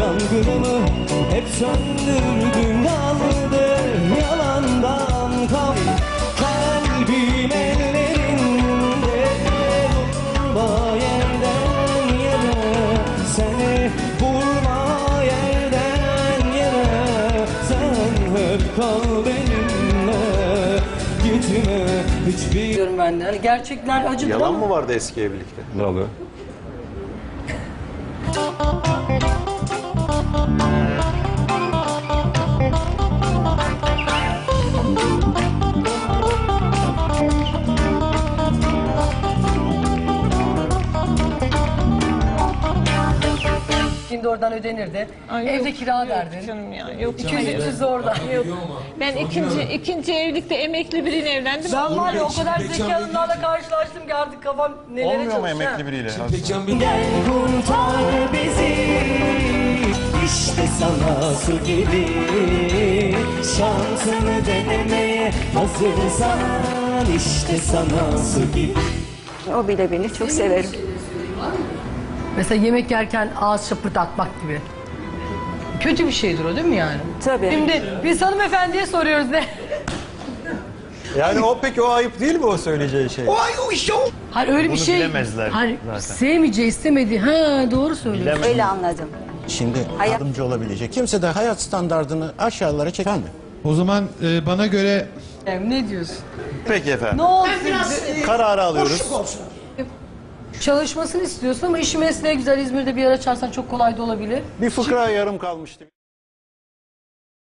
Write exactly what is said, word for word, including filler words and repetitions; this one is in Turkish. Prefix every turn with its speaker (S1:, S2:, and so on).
S1: yangınımı hep söndürdün, kaldı yalandan kal. Kalbim ellerinde, vurma yerden yere, seni vurma yerden yere. Sen hep kal benimle, gitme hiçbir...
S2: Diyorum ben de. Hani gerçekler acıdır
S3: Yalan
S2: ama.
S3: mı vardı eski evlilikte?
S4: Ne oluyor?
S2: Şimdi oradan ödenirdi.
S5: Ay,
S2: Evde
S5: yok,
S2: kira
S5: yok
S2: derdin.
S5: canım ya, yok
S2: iki yüz üç yüz orada.
S5: Yok. Ben ikinci ikinci evlilikte emekli biriyle evlendim.
S2: Ben var ya o kadar zeki hanımlarla karşılaştım ki artık kafam nelere
S3: Olmuyor mu
S2: çalışıyor.
S3: emekli biriyle?
S1: Gel kurtar bizi, işte sana su gibi. Şansını denemeye hazırsan, işte sana su gibi.
S6: O bile beni çok severim.
S2: Mesela yemek yerken ağız şapırdatmak gibi. Kötü bir şeydir o değil mi yani?
S6: Tabii.
S2: Şimdi biz hanımefendiye soruyoruz ne?
S3: Yani o peki o ayıp değil mi o söyleyeceği şey?
S2: Hayır öyle bir
S3: Bunu
S2: şey.
S3: bilemezler
S2: Hayır
S3: zaten.
S2: sevmeyeceği istemediği. Ha doğru söylüyorsun.
S6: Öyle anladım.
S7: Şimdi
S6: Hayat-
S7: yardımcı olabilecek. Kimse de hayat standardını aşağılara çeker mi?
S8: O zaman e, bana göre
S2: Ne diyorsun?
S3: Peki efendim.
S2: Ne oldu?
S3: Kararı alıyoruz.
S2: Çalışmasını istiyorsun ama işi mesleğe güzel İzmir'de bir yer açarsan çok kolay da olabilir.
S3: Bir fıkra yarım kalmıştı.